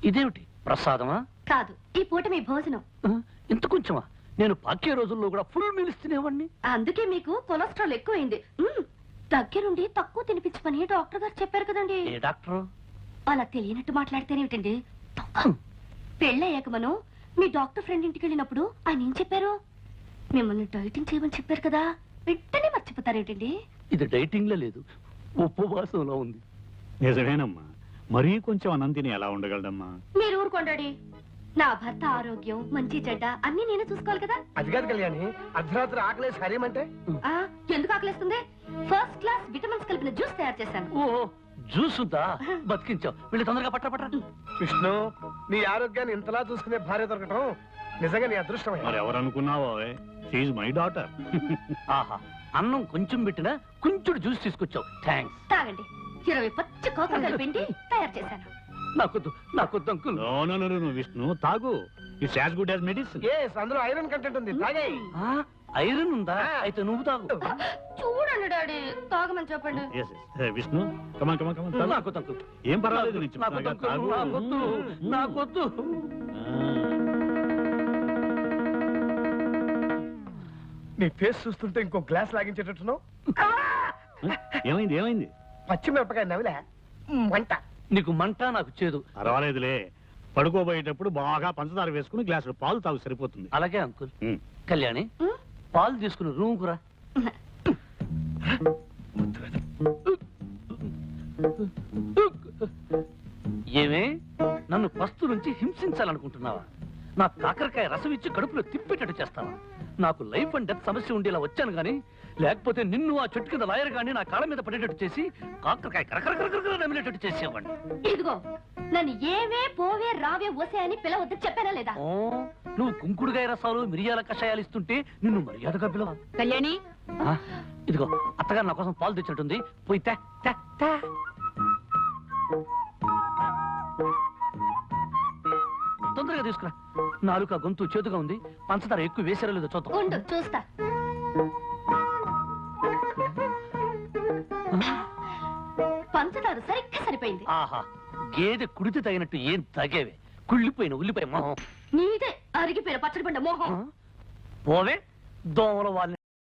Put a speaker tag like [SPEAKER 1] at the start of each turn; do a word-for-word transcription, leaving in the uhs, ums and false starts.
[SPEAKER 1] ఇదేమిటి ప్రసాదమా?
[SPEAKER 2] కాదు, ఈ పూట మీ భోజనం.
[SPEAKER 1] ఇంత కొంచెమా? నేను పాకే రోజుల్లో కూడా ఫుల్ మీల్స్ తినేవాడిని.
[SPEAKER 2] అందుకే మీకు కొలెస్ట్రాల్ ఎక్కువైంది. దగ్గరుండి తక్కువ తినిపించమని డాక్టర్ గారు చెప్పారు కదండి.
[SPEAKER 1] ఏ డాక్టర్?
[SPEAKER 2] అలా తెలియనట్టు మాట్లాడితేనేమిటండి? పెళ్ళయ్యాక మనం మీ డాక్టర్ ఫ్రెండ్ ఇంటికి వెళ్ళినప్పుడు ఆయన ఏం చెప్పారు? మిమ్మల్ని డైటింగ్ చేయమని చెప్పారు కదా, వెంటనే మర్చిపోతారేమిటండి?
[SPEAKER 1] ఇది డైటింగ్ లో లేదు, ఉపవాసంలో ఉంది.
[SPEAKER 3] నిజమేనమ్మా, మరీ కొంచెం అన్నం తిని ఎలా ఉండగలడమ్మా?
[SPEAKER 2] మీరు ఊరుకోండి. నా భర్త ఆరోగ్యం మంచి చెడ్డ అన్ని నేనే చూసుకోవాలి కదా.
[SPEAKER 4] అది కాదు కళ్యాణి, అర్ధరాత్రి ఆకలేసి హరేమంటే
[SPEAKER 2] ఎందుకు ఆకలేస్తుంది? ఫస్ట్ క్లాస్ విటమిన్స్ కలిపిన జ్యూస్ తయారు చేశాను.
[SPEAKER 1] ఓ జ్యూస్ ఉందా? బతికించావు. వీళ్ళు తొందరగా పట్ట పట్ట.
[SPEAKER 4] విష్ణు, నీ ఆరోగ్యాన్ని ఇంతలా చూసుకునే భార్య దొరకటం నిజంగా నీ అదృష్టమే.
[SPEAKER 3] మరి ఎవరు అనుకున్నావో, షీఈ్ మై డాటర్.
[SPEAKER 1] ఆహా, అన్నం కొంచెం పెట్టినా కొంచెం జ్యూస్ తీసుకొచ్చావు. థ్యాంక్స్.
[SPEAKER 2] తాగండి. ఇరవై పచ్చి కోకలు కలిపిండి తయారు చేశాను.
[SPEAKER 1] నాకొద్దు, నాకొద్దు uncle.
[SPEAKER 3] No no no no Vishnu, తాగు. It's as good as medicine.
[SPEAKER 4] Yes, అందులో ఐరన్ కంటెంట్ ఉంది, తాగేయ్.
[SPEAKER 1] ఐరన్ ఉందా? అయితే నువ్వు తాగు.
[SPEAKER 2] చూడండి డాడీ, తాగమని చెప్పండి.
[SPEAKER 3] Yes yes Vishnu, come on come on come on.
[SPEAKER 1] నాకొద్దు అంకుల్.
[SPEAKER 3] ఏం పర్వాలేదు, నేను
[SPEAKER 1] నాకొద్దు
[SPEAKER 3] చెప్తాగా,
[SPEAKER 1] అంకుల్.
[SPEAKER 3] తాగు.
[SPEAKER 1] నాకొద్దు, నాకొద్దు.
[SPEAKER 4] నీ ఫేస్ చూస్తుంటే ఇంకో గ్లాస్ లాగించేటట్టున్నావు.
[SPEAKER 3] ఏమైంది ఏమైంది?
[SPEAKER 4] పచ్చిమిరపకాయ నవిలే మంట.
[SPEAKER 1] నీకు మంట, నాకు చేదు.
[SPEAKER 3] పర్వాలేదులే, పడుకోబోయేటప్పుడు బాగా పంచదార వేసుకుని గ్లాసులో పాలు తాగు, సరిపోతుంది.
[SPEAKER 1] అలాగే అంకుల్. కళ్యాణి, పాలు తీసుకుని రూమ్ కురా. ఏమే, నన్ను పస్తు నుంచి హింసించాలనుకుంటున్నావా? నా కాకరకాయ రసం ఇచ్చి కడుపులో తిప్పేటట్టు చేస్తావా? నాకు లైఫ్ అండ్ డెత్ సమస్య ఉండేలా వచ్చాను గానీ, లేకపోతే నిన్ను ఆ చెట్టు కింద లాయర్ గాని నా కాళ్ళ మీద పడేటట్టు చేసి కాకరకాయ కరకరకరకర నమిలేటట్టు చేసేవాడిని.
[SPEAKER 2] ఇదిగో, నన్ను ఏవే పోవే రావే వసే అని పిలవద్దు చెప్పానా లేదా?
[SPEAKER 1] ఓ, నువ్వు కుంకుడుగాయ రసాలు మిరియాల కషాయాలు ఇస్తుంటే నిన్ను మర్యాదగా పిలవ.
[SPEAKER 2] కళ్యాణి,
[SPEAKER 1] ఇదిగో అత్తగారు నా కోసం పాలు తెచ్చినట్టుంది, పోయి తే తే తే. తొందరగా తీసుకురా. నాలుక గొంతు చేతుగా ఉంది, పంచదార ఎక్కువ వేసారో లేదో చూద్దాం.
[SPEAKER 2] ఉండు చూస్తా. పంచదార సరిగ్గా సరిపోయింది.
[SPEAKER 1] ఆహా, గేదె కుడితే తగినట్టు ఏం తగేవే, కుళ్ళిపోయిన ఉల్లిపాయ మొహం.
[SPEAKER 2] నీదే అరిగిపోయిన పచ్చడి పండ మోహం.
[SPEAKER 1] పోవే, దోమల వాళ్ళని